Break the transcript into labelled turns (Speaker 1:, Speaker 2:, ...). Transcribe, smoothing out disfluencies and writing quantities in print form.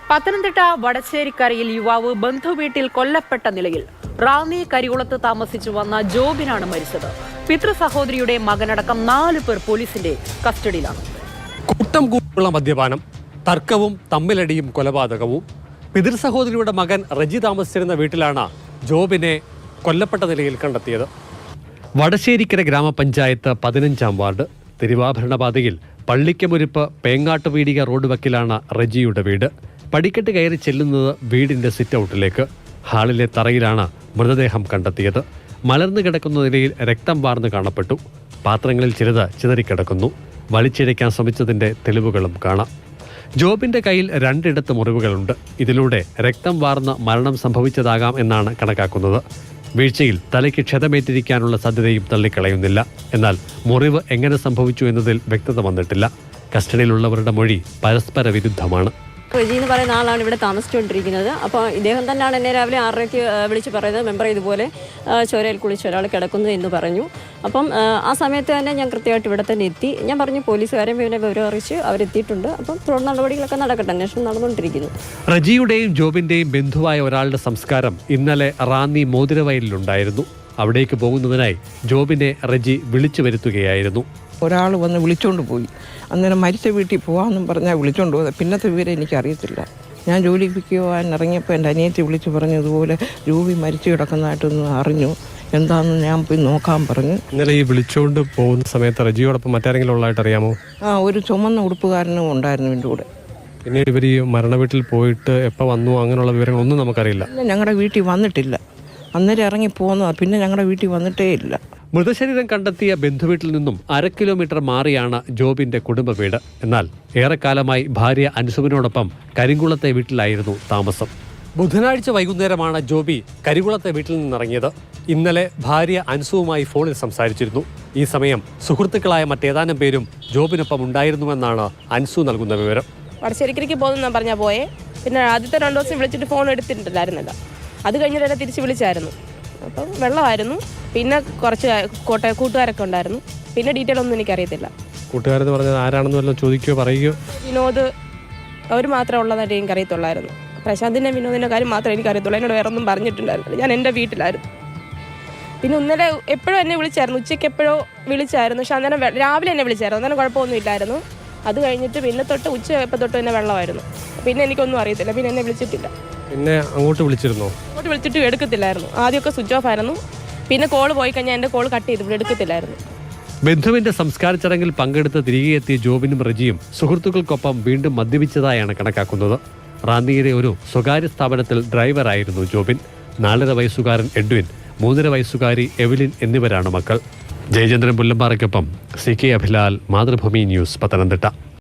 Speaker 1: പത്തനംതിട്ട വടശ്ശേരിക്കരയിൽ യുവാവ് ബന്ധുവീട്ടിൽ കൊല്ലപ്പെട്ട നിലയിൽ റാന്നി കരികുളത്ത് താമസിച്ചു വന്ന ജോബിനാണ് മരിച്ചത്. പിതൃ സഹോദരിയുടെ മകനടക്കം 4 പേർ പോലീസിന്റെ കസ്റ്റഡിയിലാണ്.
Speaker 2: കൂട്ടം കൂട്ടുള്ള മദ്യപാനം, തർക്കവും തമ്മിലടിയും കൊലപാതകവും. പിതൃ സഹോദരിയുടെ മകൻ റജി താമസിച്ചിരുന്ന വീട്ടിലാണ് ജോബിനെ കൊല്ലപ്പെട്ട നിലയിൽ കണ്ടെത്തിയത്. വടശ്ശേരിക്കര ഗ്രാമപഞ്ചായത്ത് 15-ാം വാർഡ് തിരുവാഭരണപാതയിൽ പള്ളിക്കമുരിപ്പ് പേങ്ങാട്ടുപീടിക റോഡ് വക്കിലാണ് റജിയുടെ വീട്. പടിക്കെട്ട് കയറി ചെല്ലുന്നത് വീടിന്റെ സിറ്റൗട്ടിലേക്ക്. ഹാളിലെ തറയിലാണ് മൃതദേഹം കണ്ടെത്തിയത്. മലർന്നു കിടക്കുന്ന നിലയിൽ രക്തം വാർന്നു കാണപ്പെട്ടു. പാത്രങ്ങളിൽ ചിലത് ചിതറിക്കിടക്കുന്നു. വലിച്ചിഴയ്ക്കാൻ ശ്രമിച്ചതിന്റെ തെളിവുകളും കാണാം. ജോബിന്റെ കയ്യിൽ 2 ഇടത്ത് മുറിവുകളുണ്ട്. ഇതിലൂടെ രക്തം വാർന്ന് മരണം സംഭവിച്ചതാകാം എന്നാണ് കണക്കാക്കുന്നത്. വീഴ്ചയിൽ തലയ്ക്ക് ക്ഷതമേറ്റിരിക്കാനുള്ള സാധ്യതയും തള്ളിക്കളയുന്നില്ല. എന്നാൽ മുറിവ് എങ്ങനെ സംഭവിച്ചു എന്നതിൽ വ്യക്തത വന്നിട്ടില്ല. കസ്റ്റഡിയിലുള്ളവരുടെ മൊഴി പരസ്പര വിരുദ്ധമാണ്.
Speaker 3: റജി എന്ന് പറയുന്ന ആളാണ് ഇവിടെ താമസിച്ചുകൊണ്ടിരിക്കുന്നത്. അപ്പോൾ ഇദ്ദേഹം തന്നെയാണ് എന്നെ രാവിലെ 6:30 വിളിച്ച് പറയുന്നത്, മെമ്പർ ഇതുപോലെ ചോരയിൽ കുളിച്ച് ഒരാൾ കിടക്കുന്നു എന്ന് പറഞ്ഞു. അപ്പം ആ സമയത്ത് തന്നെ ഞാൻ കൃത്യമായിട്ട് ഇവിടെ തന്നെ എത്തി. ഞാൻ പറഞ്ഞു പോലീസുകാരെ പിന്നെ വിവരം അറിയിച്ച് അവരെത്തിയിട്ടുണ്ട്. അപ്പം തുടർ നടപടികളൊക്കെ നടക്കട്ടെ, അന്വേഷണം നടന്നുകൊണ്ടിരിക്കുന്നു.
Speaker 2: റജിയുടെയും ജോബിന്റെയും ബന്ധുവായ ഒരാളുടെ സംസ്കാരം ഇന്നലെ റാന്നി മോതിരവയലിലുണ്ടായിരുന്നു. അവിടേക്ക് പോകുന്നതിനായി ജോബിനെ റജി വിളിച്ചു വരുത്തുകയായിരുന്നു.
Speaker 4: ഒരാൾ വന്ന് വിളിച്ചുകൊണ്ട് പോയി. അന്നേരം മരിച്ച വീട്ടിൽ പോകാമെന്നും പറഞ്ഞാൽ വിളിച്ചുകൊണ്ട് പോയത്. പിന്നത്തെ വിവരം എനിക്കറിയത്തില്ല. ഞാൻ ജോലിക്ക് പോകാൻ ഇറങ്ങിയപ്പോൾ എൻ്റെ അനിയത്തി വിളിച്ച് പറഞ്ഞു ഇതുപോലെ രൂപി മരിച്ചു കിടക്കുന്നതായിട്ടൊന്ന് അറിഞ്ഞു, എന്താണെന്ന് ഞാൻ പോയി നോക്കാൻ പറഞ്ഞു.
Speaker 2: ഇന്നലെ ഈ വിളിച്ചുകൊണ്ട് പോകുന്ന സമയത്ത് റജിയോടൊപ്പം മറ്റാരെങ്കിലും ഉള്ളതായിട്ട് അറിയാമോ?
Speaker 4: ഒരു ചുമന്ന ഉടുപ്പുകാരനും ഉണ്ടായിരുന്നു എൻ്റെ കൂടെ.
Speaker 2: പിന്നീട് ഇവർ ഈ മരണ വീട്ടിൽ പോയിട്ട് എപ്പോൾ വന്നു അങ്ങനെയുള്ള വിവരങ്ങളൊന്നും നമുക്കറിയില്ല.
Speaker 4: ഞങ്ങളുടെ വീട്ടിൽ വന്നിട്ടില്ല. അന്നേരം ഇറങ്ങി പോകുന്നതാണ്. പിന്നെ ഞങ്ങളുടെ വീട്ടിൽ വന്നിട്ടേ ഇല്ല.
Speaker 2: മൃതശരീരം കണ്ടെത്തിയ ബന്ധുവീട്ടിൽ നിന്നും 1/2 കിലോമീറ്റർ മാറിയാണ് ജോബിന്റെ കുടുംബ വീട്. എന്നാൽ ഏറെക്കാലമായി ഭാര്യ അൻസുവിനോടൊപ്പം കരിങ്കുളത്തെ വീട്ടിലായിരുന്നു താമസം. ബുധനാഴ്ച വൈകുന്നേരമാണ് ജോബി കരികുളത്തെ വീട്ടിൽ നിന്നിറങ്ങിയത്. ഇന്നലെ ഭാര്യ അൻസുവുമായി ഫോണിൽ സംസാരിച്ചിരുന്നു. ഈ സമയം സുഹൃത്തുക്കളായ മറ്റേതാനും പേരും ജോബിനൊപ്പം ഉണ്ടായിരുന്നുവെന്നാണ് അൻസു നൽകുന്ന വിവരം.
Speaker 5: വടശ്ശേരിക്കരയ്ക്ക് പോകുന്ന പറഞ്ഞാൽ പോയേ. പിന്നെ ആദ്യത്തെ 2 ദിവസം വിളിച്ചിട്ട് ഫോൺ എടുത്തിട്ടുണ്ടായിരുന്നില്ല. അത് കഴിഞ്ഞിട്ട് എന്നെ തിരിച്ച് വിളിച്ചായിരുന്നു. അപ്പം വെള്ളമായിരുന്നു. പിന്നെ കുറച്ച് കൂട്ടുകാരൊക്കെ ഉണ്ടായിരുന്നു. പിന്നെ ഡീറ്റെയിൽ ഒന്നും എനിക്കറിയത്തില്ല.
Speaker 2: കൂട്ടുകാരെന്ന് പറഞ്ഞാൽ ആരാണെന്ന് വല്ലതും ചോദിക്കുകയോ പറയുകയോ?
Speaker 5: വിനോദ് അവർ മാത്രമേ ഉള്ളതായിട്ട് എനിക്കറിയത്തുള്ളായിരുന്നു. പ്രശാന്തിൻ്റെ വിനോദിൻ്റെ കാര്യം മാത്രമേ എനിക്കറിയത്തുള്ളൂ. എന്നോട് വേറെ ഒന്നും പറഞ്ഞിട്ടുണ്ടായിരുന്നില്ല. ഞാൻ എൻ്റെ വീട്ടിലായിരുന്നു. പിന്നെ ഇന്നലെ എപ്പോഴും എന്നെ വിളിച്ചായിരുന്നു. ഉച്ചയ്ക്ക് എപ്പോഴോ വിളിച്ചായിരുന്നു. പക്ഷെ അന്നേരം രാവിലെ എന്നെ വിളിച്ചായിരുന്നു. അന്നേരം കുഴപ്പമൊന്നും ഇല്ലായിരുന്നു. അത് കഴിഞ്ഞിട്ട് പിന്നെ തൊട്ട് ഉച്ച എപ്പോൾ തൊട്ട് തന്നെ വെള്ളമായിരുന്നു. പിന്നെ എനിക്കൊന്നും അറിയത്തില്ല. പിന്നെ എന്നെ വിളിച്ചിട്ടില്ല.
Speaker 2: പിന്നെ അങ്ങോട്ട് വിളിച്ചിരുന്നോ?
Speaker 5: അങ്ങോട്ട് വിളിച്ചിട്ട് എടുക്കത്തില്ലായിരുന്നു. ആദ്യമൊക്കെ സ്വിച്ച് ഓഫ് ആയിരുന്നു. പിന്നെ കോൾ പോയി കഴിഞ്ഞാൽ എൻ്റെ കോൾ കട്ട് ചെയ്ത് ഇവിടെ എടുക്കത്തില്ലായിരുന്നു.
Speaker 2: ബന്ധുവിന്റെ സംസ്കാര ചടങ്ങിൽ പങ്കെടുത്ത് തിരികെ എത്തിയ ജോബിനും റജിയും സുഹൃത്തുക്കൾക്കൊപ്പം വീണ്ടും മദ്യപിച്ചതായാണ് കണക്കാക്കുന്നത്. റാന്നിയിലെ ഒരു സ്വകാര്യ സ്ഥാപനത്തിൽ ഡ്രൈവറായിരുന്നു ജോബിൻ. 4.5 വയസ്സുകാരൻ എഡ്വിൻ, 3.5 വയസ്സുകാരി എവലിൻ എന്നിവരാണ് മക്കൾ. ജയചന്ദ്രൻ പുല്ലമ്പാറയ്ക്കൊപ്പം CK അഭിലാൽ, മാതൃഭൂമി ന്യൂസ്, പത്തനംതിട്ട.